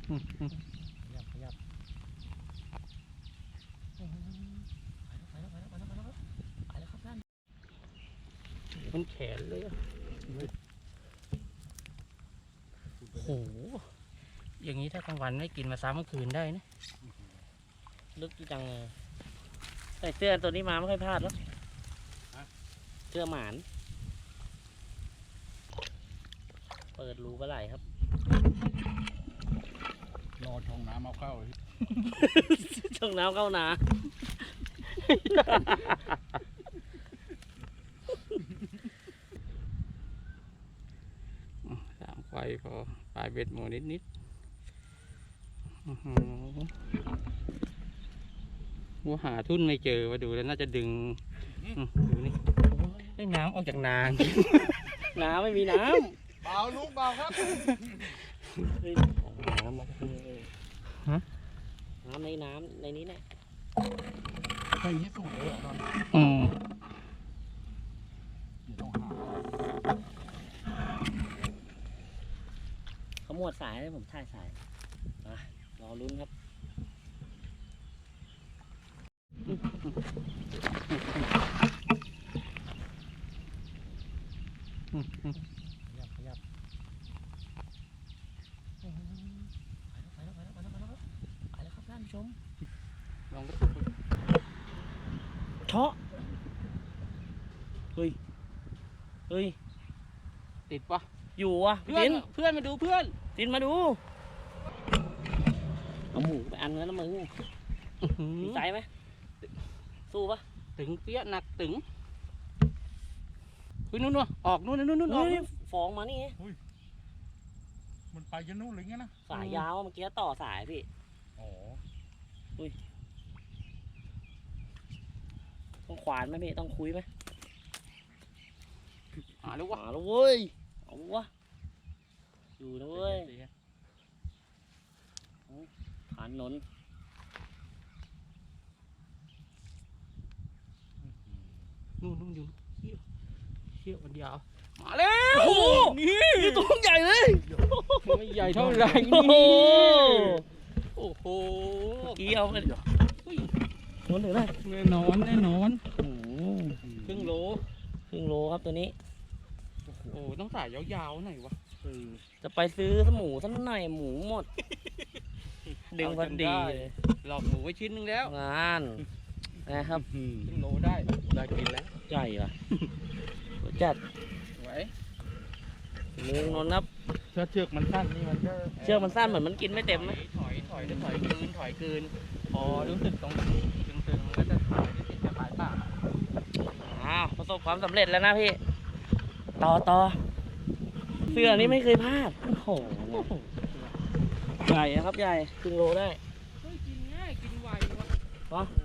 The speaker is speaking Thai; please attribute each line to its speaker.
Speaker 1: ขยับไปแล้วครับท่านมันแขนเลยโอ้โหอย่างนี้ถ้ากลางวันไม่กินมาซ้ำเมื่อคืนได้นะลึกจังเลยใส่เสื้อตัวนี้มาไม่ค่อยพลาดหรอกเสื้อหมานเปิดรูปลาไหลครับ
Speaker 2: รอช่องน้ำเอาเข้า
Speaker 1: ช่องน้ำเข้านาสามไฟพอปลายเบ็ดหมูนิดว่าหาทุ่นไม่เจอมาดูแล้วน่าจะดึงดูนี่ได้น้ำออกจากนาน้ำไม่มีน้ำ
Speaker 2: เบาลูกเบาครับ
Speaker 1: น้ำมาน้ำในนี้แหละ
Speaker 2: ใช่ที่สุดเลยตอนต้องหา
Speaker 1: เขาหมวดสายให้ผมถ่ายสายรอลุ้นครับขยับไปแล้วครับท่านผู้ชมลองกระตุกเชาะเฮ้ยติดปะอยู่วะเพื่อนมาดูเพื่อนตินมาดูเอาหมูไปอันแล้วนะมึงมีใจไหมสู้ปะตึงเปี้ยหนักตึงนู่นออกนู่นออกฟองมานี่
Speaker 2: มันไปจนนู่นเลยไงนะ
Speaker 1: สายยาวเมื่อกี้ต่อสายพี่
Speaker 2: อ๋อ
Speaker 1: ต้องขวานไหมพี่ต้องคุยไหม
Speaker 2: หาแล้ววะ
Speaker 1: เว้ยเอาวะอยู่นะเว้ยผ่านนนนู่นอยู่เชี่ยวมันยาวมาแล้วโอ้นี่ตัวใหญ่เลย
Speaker 2: ไม่ใหญ่เท่าไหร่
Speaker 1: นี่โอ้โหเกี่ยวเลยนนถึงได้
Speaker 2: แน่นอน
Speaker 1: ครึ่งโลครับตัวนี้
Speaker 2: โอ้ต้องสายยาวๆหน่อยวะ
Speaker 1: จะไปซื้อหมูสักหน่อยหมูหมดดึงพอดี
Speaker 2: หลอกหมูไว้ชิ้นนึงแล้ว
Speaker 1: งานนะครับ
Speaker 2: ครึ่งโลได้กินแล้ว
Speaker 1: ใหญ่ป่ะจัด
Speaker 2: ไหว
Speaker 1: มือนนนับ
Speaker 2: เชือกมันสั้นนี่มัน
Speaker 1: เชือกมันสั้นเหมือนมันกินไม่เต็มไหม
Speaker 2: ถอยคืนพอรู้สึกตรงตึงๆก็จะถอยติดจะปลายปาก
Speaker 1: ประสบความสำเร็จแล้วนะพี่ต่อเสื้อนี้ไม่เคยพลาดโอ้โหใหญ่นะครับใหญ่ครึ่งโลได้
Speaker 2: กินง่ายกินไววะ